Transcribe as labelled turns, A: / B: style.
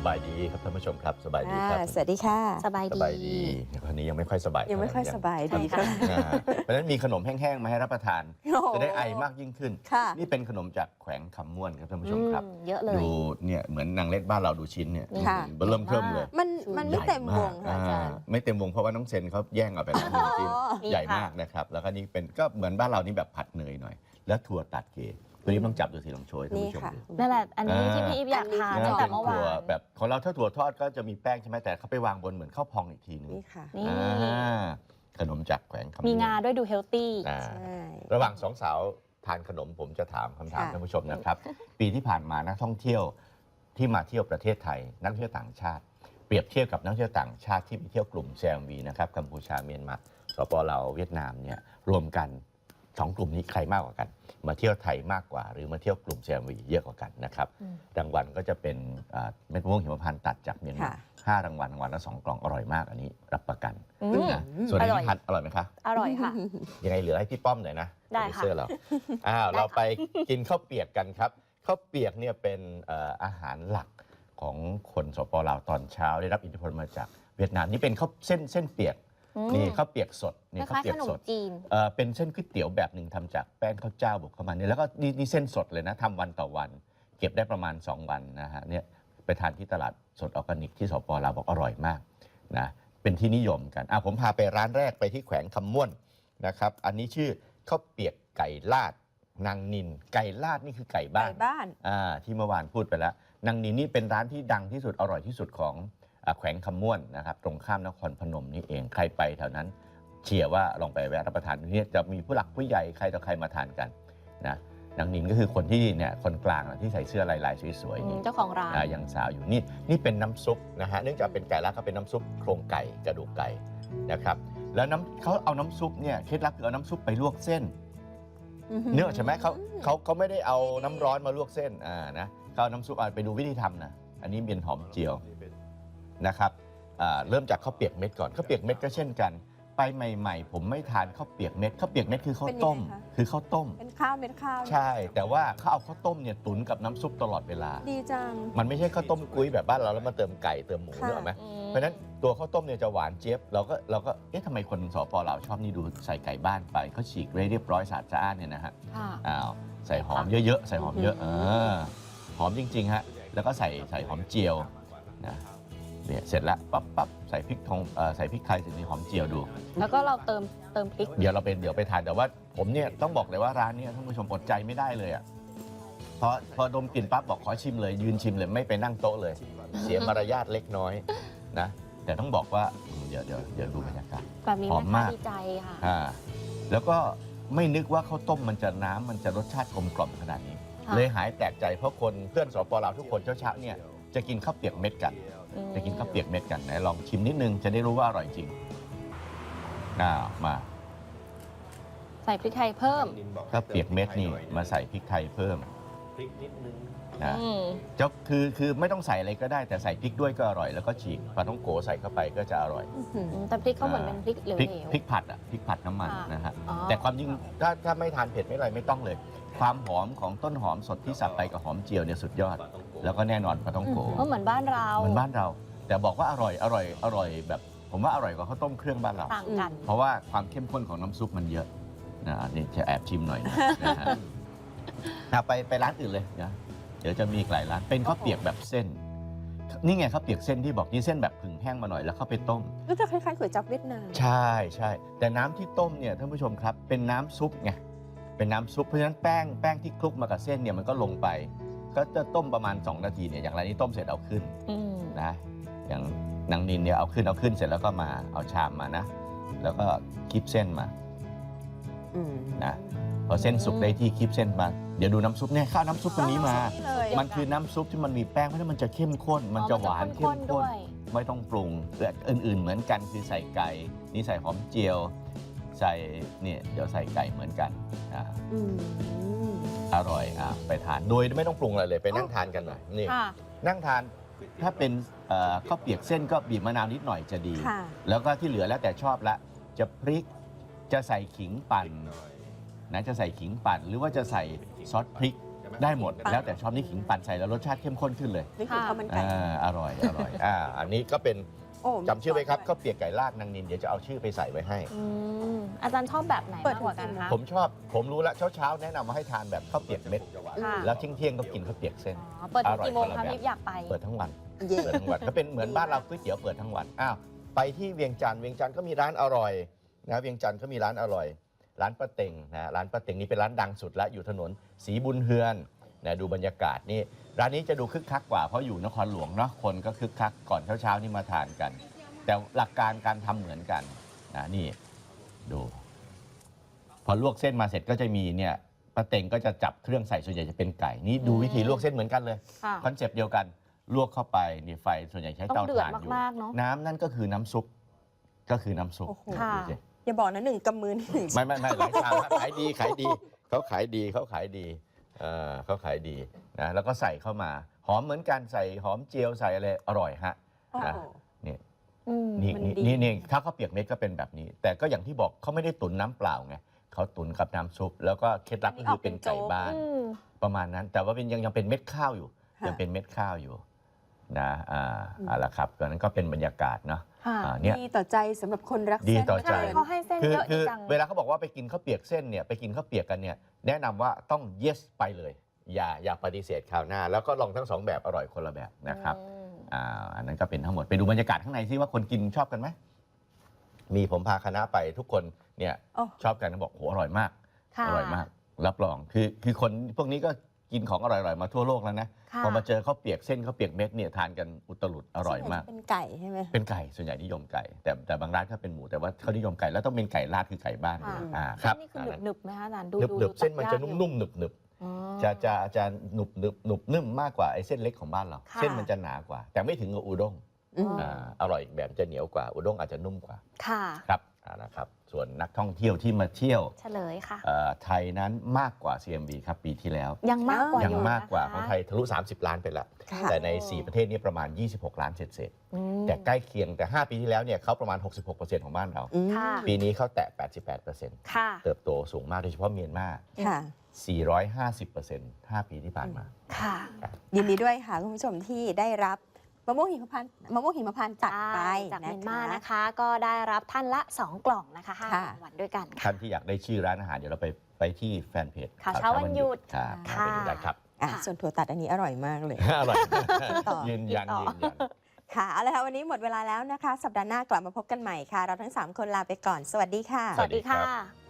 A: บายดีครับท่านผู้ชมครับสบายดีครับ
B: สวัสดีค่ะ
C: สบายดี
A: คนนี้ยังไม่ค่อยสบาย
B: ยังไม่ค่อยสบายดีค่ะ
A: เพราะฉะนั้นมีขนมแห้งๆมาให้รับประทาน จะได้ไอมากยิ่งขึ้นนี่เป็นขนมจากแขวงคำม่วนครับท่านผู้ชมครับ
C: เยอะเลย
A: ดูเนี่ยเหมือนนางเล็ดบ้านเราดูชิ้นเนี่ยเริ่มเทิมเลย
B: มันไม่เต็มวงค่ะอาจารย์
A: ไม่เต็มวงเพราะว่าน้องเซนเขาแย่งเอาไปแล้ว1 ชิ้นใหญ่มากนะครับแล้วก็นี่เป็นก็เหมือนบ้านเรานี่แบบผัดเนยหน่อยแล้วถั่วตัดเกล็ดตัวนี้ต้องจับดูสิลองโชยท่านผู้ชมดู
C: นั่นแหละอันนี้ที่พี่อีฟอยากทานตั้งแต่เมื่อวาน
A: แบบของเราถ้าถั่วทอดก็จะมีแป้งใช่ไหมแต่เขาไปวางบนเหมือนข้าวพองอีกทีนึง
B: นี่ค่ะ
A: ขนมจากแขวงคำม่วน
C: มีงาด้วยดูเฮลตี้
A: ระหว่าง2 สาวทานขนมผมจะถามคำถามท่านผู้ชมนะครับ ปีที่ผ่านมานักท่องเที่ยวที่มาเที่ยวประเทศไทยนักท่องเที่ยวต่างชาติเปรียบเทียบกับนักท่องเที่ยวต่างชาติที่ไปเที่ยวกลุ่ม CMV นะครับกัมพูชาเมียนมาสปป.ลาวเวียดนามเนี่ยรวมกัน2 กลุ่มนี้ใครมากกว่ากันมาเที่ยวไทยมากกว่าหรือมาเที่ยวกลุ่ม CMV เยอะกว่ากันนะครับรางวัลก็จะเป็นเม็ดมะม่วงหิมพานต์ตัดจากเมียนมา5 รางวัลละ2 กล่องอร่อยมากอันนี้รับประกันนะส่วนนี้พัดอร่อยไหมคะ
C: อร่อยค่ะ
A: ยังไงเหลือให้พี่ป้อมหน่อยนะ
C: ได้ค่ะ
A: เราเราไปกินข้าวเปียกกันครับข้าวเปียกเนี่ยเป็นอาหารหลักของคนสปป.ลาวตอนเช้าได้รับอิทธิพลมาจากเวียดนามนี่เป็นข้าวเส้นเปียกนี่ข้าวเปียกสดนี่ข้าวเปียกสดเป็นเส้นก๋วยเตี๋ยวแบบหนึ่งทำจากแป้งข้าวเจ้าบุกเข้ามาเนี่ยแล้วก็นี่เส้นสดเลยนะทำวันต่อวันเก็บได้ประมาณ2 วันนะฮะเนี่ยไปทานที่ตลาดสดออร์แกนิกที่สปป.ลาวบอกอร่อยมากนะเป็นที่นิยมกันผมพาไปร้านแรกไปที่แขวงคำม่วนนะครับอันนี้ชื่อข้าวเปียกไก่ลาดนางนินไก่ลาดนี่คือไก่บ้านที่เมื่อวานพูดไปแล้วนางนินนี่เป็นร้านที่ดังที่สุดอร่อยที่สุดของแขวงคำม่วนนะครับตรงข้ามนครพนมนี่เองใครไปแถวนั้นเชียร์ว่าลองไปแวะรับประทานนี่จะมีผู้หลักผู้ใหญ่ใครต่อใครมาทานกันนะนางนินก็คือคนที่เนี่ยคนกลางที่ใส่เสื้อลายสวยๆนี่
C: เจ้าของร้าน
A: ยังสาวอยู่นี่เป็นน้ำซุปนะฮะเนื่องจากเป็นไก่ลาดก็เป็นน้ำซุปโครงไก่กระดูกไก่นะครับแล้วเขาเอาน้ำซุปเนี่ยเคล็ดลับคือเอาน้ำซุปไปลวกเส้นเนื้อใช่ไหมเขาไม่ได้เอาน้ำร้อนมาลวกเส้นนะเขาเอาน้ำซุปไปดูวิธีทำนะอันนี้เป็นหอมเจียวนะครับเริ่มจากข้าวเปียกเม็ดก่อนข้าวเปียกเม็ดก็เช่นกันไปใหม่ๆผมไม่ทานข้าวเปียกเม็ดข้าวเปียกเม็ดคือข้าวต้ม
B: เป็นข้าวเม็ดข้าว
A: ใช่แต่ว่าเขาเอาข้าวต้มเนี่ยตุ๋นกับน้ำซุปตลอดเวลา
B: ดีจัง
A: มันไม่ใช่ข้าวต้มกุ้ยแบบบ้านเราแล้วมาเติมไก่เติมหมูเนอะไหมเพราะฉะนั้นตัวข้าวต้มเนี่ยจะหวานเจี๊ยบเราก็ทำไมคนสปป.ลาวชอบนี่ดูใส่ไก่บ้านไปเขาฉีกเรียบร้อยสะอาดเนี่ยนะฮะใส่หอมเยอะๆใส่หอมเยอะหอมจริงๆฮะแล้วก็ใส่หอมเจียวนะเนี่ยเสร็จแล้วปั๊บใส่พริกใส่พริกไทยใส่หอมเจียวดู
C: แล้วก็เราเติมพริก
A: เดี๋ยวไปทานแต่ว่าผมเนี่ยต้องบอกเลยว่าร้านนี้ท่านผู้ชมอดใจไม่ได้เลยอ่ะพอดมกลิ่นปั๊บบอกขอชิมเลยยืนชิมเลยไม่ไปนั่งโต๊ะเลยเสียมารยาทเล็กน้อยนะแต่ต้องบอกว่าเดี๋ยวดูบรรยากาศ
C: หอมมากดีใจค่ะ
A: แล้วก็ไม่นึกว่าข้าวต้มมันจะรสชาติกลมกล่อมขนาดนี้เลยหายแปลกใจเพราะคนเพื่อนสปป.ลาวทุกคนเช้าเนี่ยจะกินข้าวเปียกเม็ดกันไหนลองชิมนิดนึงจะได้รู้ว่าอร่อยจริงมา
C: ใส่พริกไทยเพิ่ม
A: ข้าวเปียกเม็ดนี่มาใส่พริกไทยเพิ่ม
D: พริกนิดนึง
A: นะคือไม่ต้องใส่อะไรก็ได้แต่ใส่พริกด้วยก็อร่อยแล้วก็ฉีกปลาท่องโกใส่เข้าไปก็จะอร่อย
C: แต่พริกเขาเหมือนเป็นพริกเหลว
A: พริกผัดพริกผัดน้ำมันนะฮะแต่ความจริงถ้าไม่ทานเผ็ดไม่อะไรไม่ต้องเลยความหอมของต้นหอมสดที่สับไปกับหอมเจียวเนี่ยสุดยอดแล้วก็แน่นอนปลาท่องโก
C: เหมือนบ้านเรา
A: แต่บอกว่าอร่อยแบบผมว่าอร่อยกว่าข้าวต้มเครื่องบ้านเรา
C: ต่างกัน
A: เพราะว่าความเข้มข้นของน้ำซุปมันเยอะนะนี่จะแอบชิมหน่อยนะไปร้านอื่นเลยนะเดี๋ยวจะมีหลายร้านเป็นข้าวเปียกแบบเส้นนี่ไงข้าวเปียกเส้นที่บอกนี่เส้นแบบผึ่งแห้งมาหน่อยแล้วเข้าไปต้ม
B: ก็จะคล้ายๆก๋วยจั๊บเวียดนาม
A: ใช่แต่น้ำที่ต้มเนี่ยท่านผู้ชมครับเป็นน้ำซุปไงเป็นน้ำซุปเพราะฉะนั้นแป้งที่คลุกมากับเส้นเนี่ยมันก็ลงไปก็จะต้มประมาณ2 นาทีเนี่ยอย่างไรนี้ต้มเสร็จเอาขึ้นนะอย่างนางนินเนี่ยเอาขึ้นเสร็จแล้วก็มาเอาชามมานะแล้วก็คีบเส้นมานะพอเส้นสุกได้ที่คีบเส้นมาเดี๋ยวดูน้ำซุปเนี่ยข้าวน้ำซุปตรงนี้มามันคือน้ำซุปที่มันมีแป้งเพราะฉะนั้นมันจะเข้มข้นมันจะหวานเข้มข้นไม่ต้องปรุงและอื่นๆเหมือนกันคือใส่ไก่นี่ใส่หอมเจียวใส่เนี่ยเดี๋ยวใส่ไก่เหมือนกันอร่อยไปทานโดยไม่ต้องปรุงอะไรเลยไปนั่งทานกันหน่อยนี่นั่งทานถ้าเป็นข้าวเปียกเส้นก็บีบมะนาวนิดหน่อยจะดีแล้วก็ที่เหลือแล้วแต่ชอบละจะพริกจะใส่ขิงปั่นนะจะใส่ขิงปั่นหรือว่าจะใส่ซอสพริกได้หมดแล้วแต่ชอบนี่ขิงปั่นใส่แล้วรสชาติเข้มข้นขึ้นเลย
B: นึกถึงข้าวมันไก่
A: อร่อยอันนี้ก็เป็น
B: โอ้
A: จำชื่อไว้ครับข้าวเปียกไก่ลาดนางนินเดี๋ยวจะเอาชื่อไปใส่ไว้ให้
C: อาจารย์ชอบแบบไหนมากกว่ากันคะ
A: ผมรู้แล้วเช้าแนะนำมาให้ทานแบบข้าวเปียกเม็ด
C: ค่ะ
A: แล้วเที่ยงก็กินข้าวเปียกเส้น
C: เปิดถึงกี่โมง
A: อร่
C: คะ
A: อย
C: มิฟอยากไป
A: เปิดทั้งวัน
B: เย่
A: เปิดทั้งวันก็เป็นเหมือนบ้านเราก๋วยเตี๋ยวเปิดทั้งวันไปที่เวียงจันทร์ก็มีร้านอร่อยนะเวียงจันทร์ก็มีร้านอร่อย ร้านป้าเต็งนะร้านป้าเต็งนี่เป็นร้านดังสุดแล้วอยู่ถนนศรีบุญเฮือนนะดูบรรยากาศนี่ร้านนี้จะดูคึกคักกว่าเพราะอยู่นครหลวงเนาะคนก็คึกคักก่อนเช้านี่มาทานกัน แต่หลักการการทำเหมือนกันนะนี่ดูพอลวกเส้นมาเสร็จก็จะมีเนี่ยป้าเต็งก็จะจับเครื่องใส่ส่วนใหญ่จะเป็นไก่นี่ดูวิธีลวกเส้นเหมือนกันเลย
C: ค่ะ
A: คอนเซปต์เดียวกันลวกเข้าไปนี่ไฟส่วนใหญ่ใช้
C: ต้อ
A: เตาง
C: เดือด
A: ถ่านอยู่
C: มากๆเนาะ
A: น้ำนั่นก็คือน้ำซุปก็คือน้ำซุป
B: โอ้โห
C: ค่ะ
A: ดูสิ
B: อย่าบอกนะ1 กำมือนี่1
A: ไม่หลายชามครับขายดีเขาขายดีเขาขายดีนะแล้วก็ใส่เข้ามาหอมเหมือนกันใส่หอมเจียวใส่อะไรอร่อยฮะ
B: โอ้
A: นะ
B: โห
A: นี่
C: อืม
A: นี่
B: มัน
A: นี่
B: ดี
A: นี่ถ้าข้าวเปียกเม็ดก็เป็นแบบนี้ แต่ก็อย่างที่บอกเขาไม่ได้ตุ๋นน้ำเปล่าไงเขาตุ๋นกับน้ำซุปแล้วก็เคล็ดลับก็คือเป็นไก่บ้าน
C: อืม
A: ประมาณนั้น แต่ว่าเป็นยังเป็นเม็ดข้าวอยู่
B: ค่ะ
A: ยังเป็นเม็ดข้าวอยู่นะเอาละครับตอนนั้นก็เป็นบรรยากาศเนาะ
C: ค่ะ
A: เนี่ย
B: ดีต่อใจสำหรับคนรัก
A: ดี
B: เส้น
A: ต่อใจ
C: ใช่เขาให้เส้น
A: คือ
C: เยอะ
A: คื
C: ดี
A: อ
C: จัง
A: เวลาเขาบอกว่าไปกินข้าวเปียกเส้นเนี่ยไปกินข้าวเปียกกันเนี่ยแนะนำว่าต้อง yes ไปเลย อย่าปฏิเสธคราวหน้า แล้วก็ลองทั้งสองแบบอร่อยคนละแบบนะครับ
C: อืม
A: อันนั้นก็เป็นทั้งหมดไปดูบรรยากาศข้างในซิว่าคนกินชอบกันไหมมีผมพาคณะไปทุกคนเนี่ย
B: โอ้
A: ชอบกันเขาบอกโหอร่อยมาก
C: ค่ะ
A: อร่อยมาก รับรองคือคนพวกนี้ก็กินของอร่อยๆมาทั่วโลกแล้วนะ
C: ค่ะ
A: พอมาเจอข้าวเปียกเส้นข้าวเปียกเม็ดเนี่ยทานกันอุตลุดอร่อยมาก
B: เป็นไก่ใช่ไหม
A: เป็นไก่ส่วนใหญ่นิยมไก่ แต่บางร้านก็เป็นหมูแต่ว่าเขานิยมไก่แล้วต้องเป็นไก่ลาดคือไก่บ้าน
C: ค่ะ
A: ค
C: เส้
A: รับ
C: นนี่คือหนึบๆไหมคะอาจารย์ดู
A: หนึบๆเส้นมันจะ
C: ตัดยากอยู่
A: นุ่มๆหนึบ
C: อ๋อ
A: ๆจะหนุบนุ่มมากกว่าไอ้เส้นเล็กของบ้านเรา
C: ค่ะ
A: เส้นมันจะหนากว่า แต่ไม่ถึงกับอุด้ง
B: อืม
A: อร่อยอีกแบบจะเหนียวกว่าอุด้งอาจจะนุ่มกว่า
C: ค่ะ
A: ครับนะครับส่วนนักท่องเที่ยวที่มาเที่ยว
C: เฉลยค่ะ
A: ไทยนั้นมากกว่า CMB ครับปีที่แล้ว
C: ยังมากกว่า
A: ยัง
C: อยู่
A: มากกว่า
C: นะคะ
A: ของไทยทะลุ 30 ล้านไปแล้ว
B: ค่ะ
A: แต่ใน 4 ประเทศนี้ประมาณ 26 ล้านเศษ
C: อืม
A: ๆแต่ใกล้เคียงแต่ 5 ปีที่แล้วเนี่ยเขาประมาณ 66%ของบ้านเรา
B: อืม
C: ค่ะ
A: ปีนี้เขาแตะ 88%
C: ค่ะ
A: เติบโตสูงมากโดยเฉพาะเมียนมา
B: ค่ะ
A: 450% 5 ปีที่ผ่านมา
C: ค่ะ
B: ยินดีด้วยค่ะคุณผู้ชมที่ได้รับมะม่วงหิมพานต์จัดไป
C: จาก
B: นะ
C: เมียนมา
B: คะ
C: นะคะ ก็ได้รับท่านละ 2 กล่องนะคะ5
B: ค่ะ
C: รางวัลด้วยกันค่ะ
A: ท่านที่อยากได้ชื่อร้านอาหารเดี๋ยวเราไปที่แฟนเพจ
C: ข่าวเช้าวันหยุด
A: ครับ
C: ค่ะ
A: ไปดูได้ครับ
B: อ่ะ
C: ค่ะ
B: ส่วนถั่วตัดอันนี้อร่อยมากเลย
A: อร่อย
B: ต่อ
A: ยืนยัน
C: ต่อ
A: ยืนยัน
B: ค่ะเอาละค่ะวันนี้หมดเวลาแล้วนะคะ สัปดาห์หน้ากลับมาพบกันใหม่ค่ะ เราทั้ง 3 คนลาไปก่อน สวัสดีค่ะ
C: สวัสดี
A: สวัสดีครั
C: ค่ะ
A: บ